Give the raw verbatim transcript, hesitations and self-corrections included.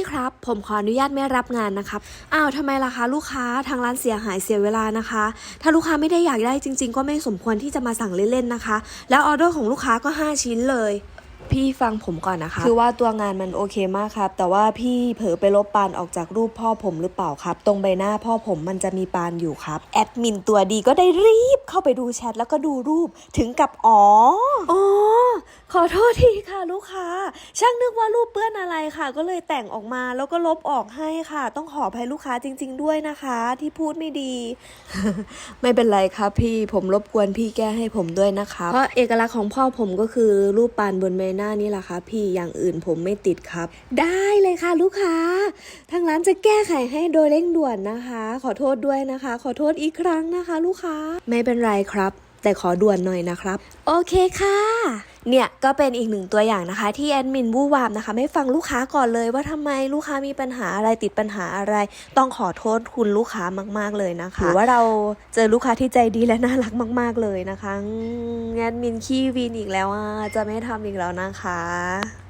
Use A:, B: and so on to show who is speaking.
A: ครับผมขออนุญาตไม่รับงานนะครับอ้าวทำไมล่ะคะลูกค้าทางร้านเสียหายเสียเวลานะคะถ้าลูกค้าไม่ได้อยากได้จริงๆก็ไม่สมควรที่จะมาสั่งเล่นๆนะคะแล้วออเดอร์ของลูกค้าก็ห้าชิ้นเลยพี่ฟังผมก่อนนะคะคือว่าตัวงานมันโอเคมากครับแต่ว่าพี่เผลอไปลบปานออกจากรูปพ่อผมหรือเปล่าครับตรงใบหน้าพ่อผมมันจะมีปานอยู่ครับแอดมินตัวดีก็ได้รีบเข้าไปดูแชทแล้วก็ดูรูปถึงกับอ๋ออ๋อขอโทษทีค่ะลูกค้าช่างนึกว่ารูปเปื้อนอะไรค่ะก็เลยแต่งออกมาแล้วก็ลบออกให้ค่ะต้องขออภัยลูกค้าจริงๆด้วยนะคะที่พูดไม่ดี ไม่เป็นไรครับพี่ผมรบกวนพี่แก้ให้ผมด้วยนะคะเพราะเอกลักษณ์ของพ่อผมก็คือรูปปานบนใบหน้านี่แหละครับพี่อย่างอื่นผมไม่ติดครับได้เลยค่ะลูกค้าทางร้านจะแก้ไขให้โดยเร่งด่วนนะคะขอโทษด้วยนะคะขอโทษอีกครั้งนะคะลูกค้าไม่เป็นไรครับแต่ขอด่วนหน่อยนะครับโอเคค่ะเนี่ยก็เป็นอีกหนึ่งตัวอย่างนะคะที่แอดมินวู่วามนะคะไม่ฟังลูกค้าก่อนเลยว่าทำไมลูกค้ามีปัญหาอะไรติดปัญหาอะไรต้องขอโทษคุณลูกค้ามากๆเลยนะคะหรือว่าเราเจอลูกค้าที่ใจดีและน่ารักมากๆเลยนะคะแอดมินขี้วีนอีกแล้วอ่ะจะไม่ทำอีกแล้วนะคะ